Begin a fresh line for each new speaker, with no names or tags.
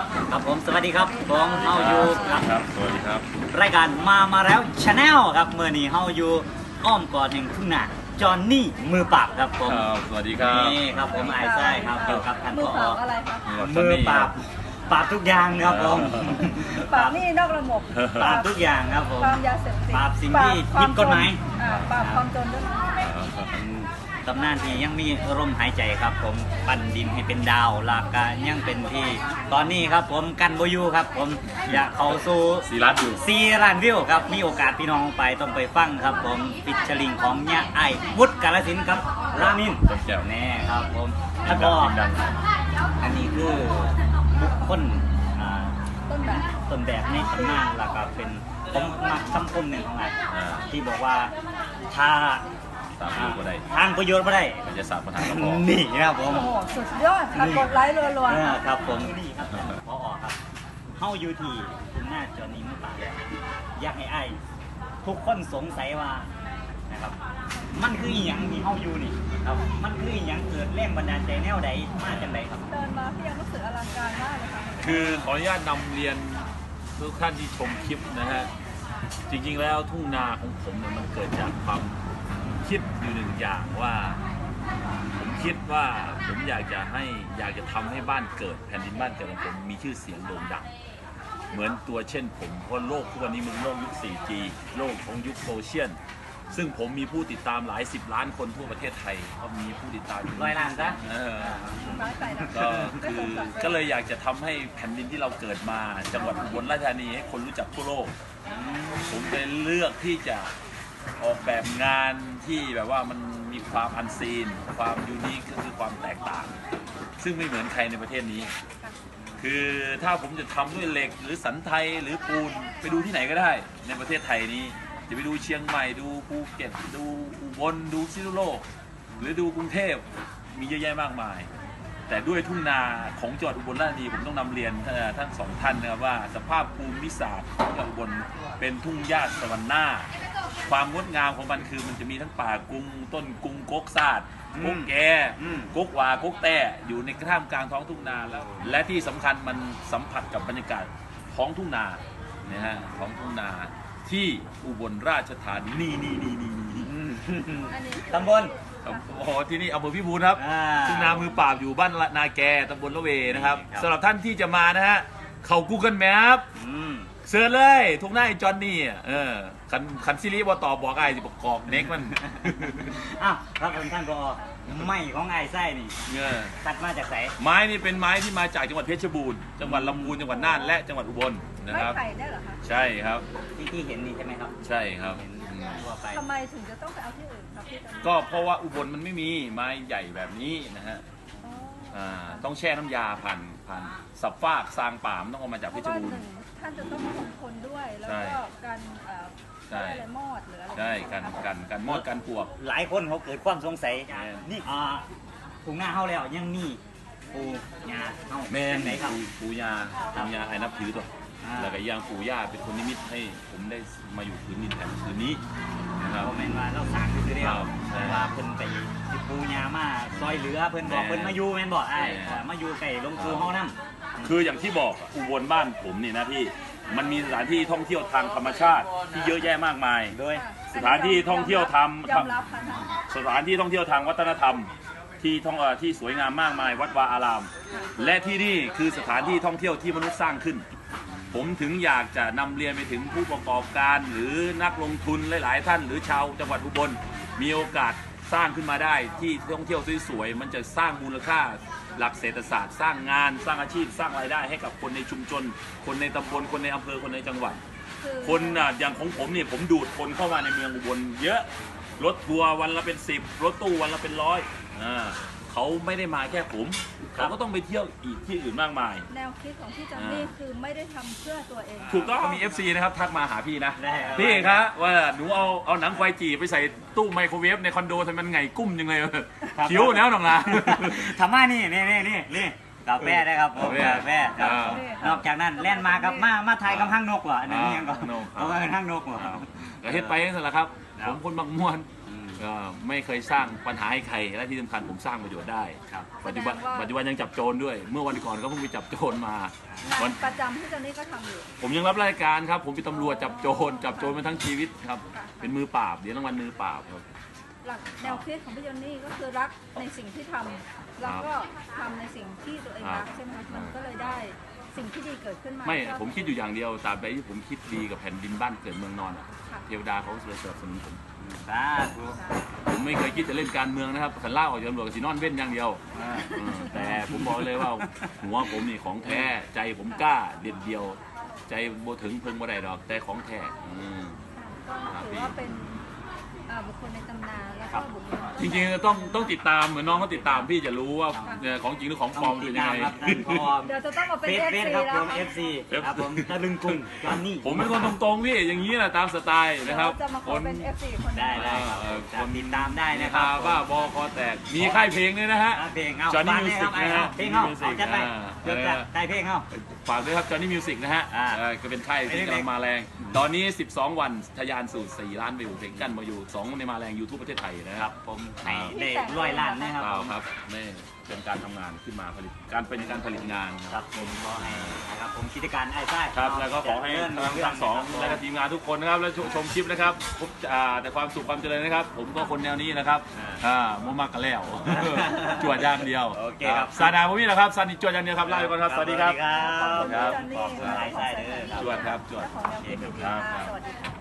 ครับผมสวัสดีครับผมเฮาอยู่
ครับสวัสดีครับ
รายการมาแล้วชาแนลครับเมื่อนี้เฮาอยู่อ้อมกอดแห่งทุ่งนาจอนนี่มือปราบครับผม
สวัสดีครับ
นี่ครับผมไอ้ไส้ครับอยู่กับท่าน
มื
ผ
อ
อ
เปล่าอะไรคะ
มือปราบปราบทุกอย่างครับผม
ปราบหนี่นอกระบบ
ปราบทุกอย่างครับผม
ปราบยาเสพติด
ปราบสิ่งที่ผิดกฎหมาย
ปราบความจนด้วย
ตำนานที่ยังมีลมหายใจครับผมปั้นดินให้เป็นดาวลากกายังเป็นที่ตอนนี้ครับผมกันโบอยูครับผมอยากเข้าสู่
สีรัดอยู่
4 ล้านวิวครับมีโอกาสพี่น้องไปต้องไปฟังครับผมฟิชเชอริงของเนี่ยไอวุฒิกาลสินธุ์ครับรามิน
ต้นแก้ว
แน่ครับผมแล้วก็
ดัง
อันนี้คือบุคคล
ต้นแบบ
ต้นแบบในตำนานแล้วก็เป็นผมมักคำคมหนึ่งของไอ้ที่บอกว่าถ้า
ตามรู้ก็ได้
ทางประโยชน์ไม่ได้
มันจะสาบปัญหาก็พอ
นี่ครับผม
โอ้โหสุดยอดค่ะกดไลค์รัวๆ
ครับผมนี่ครับพอครับเฮาอยู่ที่คุณหน้าจอนี้มือปราบอยากให้ไอ้ทุกคนสงสัยว่านะครับมันคืออีหยังที่เฮาอยู่นี่ครับมันคืออีหยังเกิดแรงบันดาลใจแนวใดมาจากใดครับ
เดินมาพี่ยังรู้สึกอลังการมากเลยค่ะ
คือขออนุญาตนำเรียนทุกท่านที่ชมคลิปนะฮะจริงๆแล้วทุ่งนาของผมเนี่ยมันเกิดจากความคิดอยู่หนึ่งอย่างว่าผมคิดว่าผมอยากจะทำให้บ้านเกิดแผ่นดินบ้านเกิดของผมมีชื่อเสียงโด่งดังเหมือนตัวเช่นผมเพราะโลกทุกวันนี้มันโลกยุค 4G โลกของยุคโซเชียลซึ่งผมมีผู้ติดตามหลาย10 ล้านคนทั่วประเทศไทยก็มีผู้ติดตามอยู่
100 ล้านซะ
น้อยไปนะ
ก็เลยอยากจะทำให้แผ่นดินที่เราเกิดมาจังหวัดอุบลราชธานีให้คนรู้จักทั่วโลกผมเลยเลือกที่จะออกแบบงานที่แบบว่ามันมีความอันซีนความยูนิคก็คือความแตกต่างซึ่งไม่เหมือนใครในประเทศนี้ คือถ้าผมจะทำด้วยเหล็กหรือสันไทยหรือปูนไปดูที่ไหนก็ได้ในประเทศไทยนี้จะไปดูเชียงใหม่ดูภูเก็ตดูอุบลดูพิษณุโลกหรือดูกรุงเทพมีเยอะแยะมากมายแต่ด้วยทุ่งนาของจังหวัดอุบลราชธานีผมต้องนำเรียนทั้งสองท่านนะครับว่าสภาพภูมิศาสตร์ของจังหวัดอุบลเป็นทุ่งหญ้าสวรรค์หน้าความงดงามของมันคือมันจะมีทั้งป่ากุ้งต้นกุ้งกกซาดกกแกกกวากกแต่อยู่ในท่ามกลางท้องทุ่งนาแล้วและที่สำคัญมันสัมผัสกับบรรยากาศท้องทุ่งนานะฮะท้องทุ่งนาที่อุบลราชธานีนี่
ตำบล
โอ้โหที่นี่อำเภอพิบูลครับทุ่งนามือปราบอยู่บ้านนาแกตำบลละเวนะครับสำหรับท่านที่จะมานะฮะเข้า Google Map เสิร์ชเลยทุ่งนาไอ้จอนนี่คันซิริบอตอบบอกไอ้สิบอกกอกเน็กมัน
อ้าวครับท่านผอไม้ของไอ้ไส้นี่ตัดมาจากไหน
ไม้นี่เป็นไม้ที่มาจากจังหวัดเพชรบูรณ์จังหวัดลำพูนจังหวัดน่านและจังหวัดอุบลนะครับ
ไม้ไผ่ได้เหรอคะ
ใช่ครับ
ที่เห็นนี่ใช่ไหมครับ
ใช่ครับ
ทั่วไป
ทำไมถึงจะต้องไปเอาที่อื่นครับพี่จำ
ก็เพราะว่าอุบลมันไม่มีไม้ใหญ่แบบนี้นะฮะต้องแช่น้ำยาผ่านสับฟากซางป่ามนต้องเอามาจากเพชรบูรณ์
ท่านจะต้องคงทนด้วยแล้วก็การอะไรมอดหรืออะไร
ใช่กันมอดกันปวก
หลายคนเขาเกิดความสงสัยนี่ถุงหน้าเขาแล้วยังมีปูงาเขา
แม่น
ไหนครับ
ปู่ย่าไอ้นับถือตัวแล้วก็ย่างปู่ย่าเป็นคนนิมิตให้ผมได้มาอยู่พื้นดินแผ่นพื้นนี้นะครับ
คอมเมนต์ว่าเราสั่งคือเดียว
ใช่
ว่าเพิ่นไปที่ปูงามาซอยเหลือเพิ่นบอกเพิ่นมาอยู่แม่นบอกไอ้มาอยู่ไก่ลงปูเฮานั่
คืออย่างที่บอกอุบลบ้านผมนี่นะพี่มันมีสถานที่ท่องเที่ยวทางธรรมชาติที่เยอะแยะมากมาย
โดย
สถานที่ท่องเที่ยว
ยอมรับค่ะ
สถานที่ท่องเที่ยวทางวัฒนธรรมที่สวยงามมากมายวัดวาอาราม และที่นี่คือสถานที่ท่องเที่ยวที่มนุษย์สร้างขึ้น ผมถึงอยากจะนำเรียนไปถึงผู้ประกอบการหรือนักลงทุนหลายๆท่านหรือชาวจังหวัดอุบลมีโอกาสสร้างขึ้นมาได้ที่ท่องเที่ยวสวยๆมันจะสร้างมูลค่าหลักเศรษฐศาสตร์สร้างงานสร้างอาชีพสร้างรายได้ให้กับคนในชุมชนคนในตำบลคนในอำเภอคนในจังหวัดคนอย่างของผมเนี่ยผมดูดคนเข้ามาในเมืองอุบลเยอะรถทัวร์วันละเป็น10รถตู้วันละเป็น100เขาไม่ได้มาแค่ผมเขาก็ต้องไปเที่ยวอีกที่อื่นมากมาย
แนวคิดของพี่จำนี่คือไม่ได้ทำเพื่อตัวเอง
ถูกต้องมี FC นะครับทักมาหาพี่นะ
ได้ครับ
พี่ครับว่าหนูเอาหนังควายจีไปใส่ตู้ไมโครเวฟในคอนโดทำไมมันไงกุ้มจังเลยคิ้วแล้วหนองนะ
ทำมานี่กาแฟได้ครับผมกาแฟครับนอกจากนั้นแล่นมากับมาไทยกับห้างนกว่ะอันนี้ยังก็เอาไปห้างนกว่ะ
ก็เฮ็ดไปนั่นแหละครับผมคนบางมวนไม่เคยสร้างปัญหาให้ใครและที่สำคัญผมสร้างประโยชน์ได้
ครับ
ปัจจุบันยังจับโจรด้วย เมื่อวันก่อนก็เพิ่งไปจับโจรมา
งานประจำที่เจนนี่ก็ทำอยู่
ผมยังรับรายการครับ ผมเป็นตำรวจจับโจรมาทั้งชีวิตครับ เป็นมือปราบเดี๋ยวรางวัลมือปราบครับ
หลักแนวคิดของพี่เจนนี่ก็คือรักในสิ่งที่ทำแล้วก็ทำในสิ่งที่ตัวเองรักใช่ไหมคะมันก็เลยได้สิ่งที่ดีเกิดขึ้นมา
ไม่
ก็
ผมคิดอยู่อย่างเดียวตราบใดที่ผมคิดดีกับแผ่นดินบ้านเกิดเมืองนอนอะ
ค่ะ
เทวดาเขาจะสนับสนุนผม
สาธุ
ผมไม่เคยคิดจะเล่นการเมืองนะครับขันล่าออกจากตำรวจกับสีนอนเว้นอย่างเดียวแต่ผมบอกเลยว่าหัวผมนี่ของแท้ใจผมกล้าเด็ดเดียว ใจโบถึงเพิ่งบ่ได้ดอกใจของแท้
ก็ถือว่าเป็นบุคคลในตำนานแล้วก็บุคคล
จริงๆต้องติดตามเหมือนน้องเขาติดตามพี่จะรู้ว่าของจริงหรือของปลอมเป็นยังไง
ครับท่านพอ
เดี๋ยวจะต้องมาเป็น
เฟซ
FC
ครับ
แล้
ผ
ว
ม
ค่ะ
FC ครับผมตะลึงกรุงจอนนี่
ผมเป็นคนตรงๆพี่อย่างนี้แหละตามสไตล์นะครับ
จะมาขอเป็น FC คน
ได้
นี้
ได้ครับ
คน
ติดตามได้นะค
ค
รั
รั
บบ
ว่าบอคอแตกมีค่ายเพลงด้วยนะฮะ
เพลงเอา
Johnny
ฟัง
Music
ได้
นะ
ค
ฮะ
รับเพลงเอา
Johnny
เอาจัดไป
Music
เดี๋ยวจะได้เพลงเอา
ฝากด้วยครับ Johnny Music นะฮะ
อ่า
ก็เป็นค่ายที่กำลังมาแรง ตอนนี้ 12 วันทะยานสู่4 ล้านวิวเพลงกันมาอยู่2ในมาแรง YouTube ประเทศไทยนะ
ค
ค
รั
รั
บบ ผมให้ได้100 ล้านนะครับ
เราครับนี่เป็นการทำงานขึ้นมาเป็นการผลิตงาน
ครับผมก็ให้นะครับผมกิจการไอ้ไส้
ครับแล้วก็ขอให้ทั้งสองและก็ทีมงานทุกคนนะครับและชมคลิปนะครับพบแต่ความสุขความเจริญนะครับ ผมก็คนแนวนี้นะครับมั่วมากกันแล้ว จวดอย่างเดียว
โอเคครับ
ซาดาผมนี่นะครับซานิจวดอย่างเดียวครับลาไปก่อนครับสวัสดีครับ
ครับ
ขอบคุณ
ครับ
พี่จอนนี่
ขอบคุณหลายไส้เด้อครับ
จวดครับจวด
เจ้าของแนวคิดดีๆค่ะสวัสดีค่ะ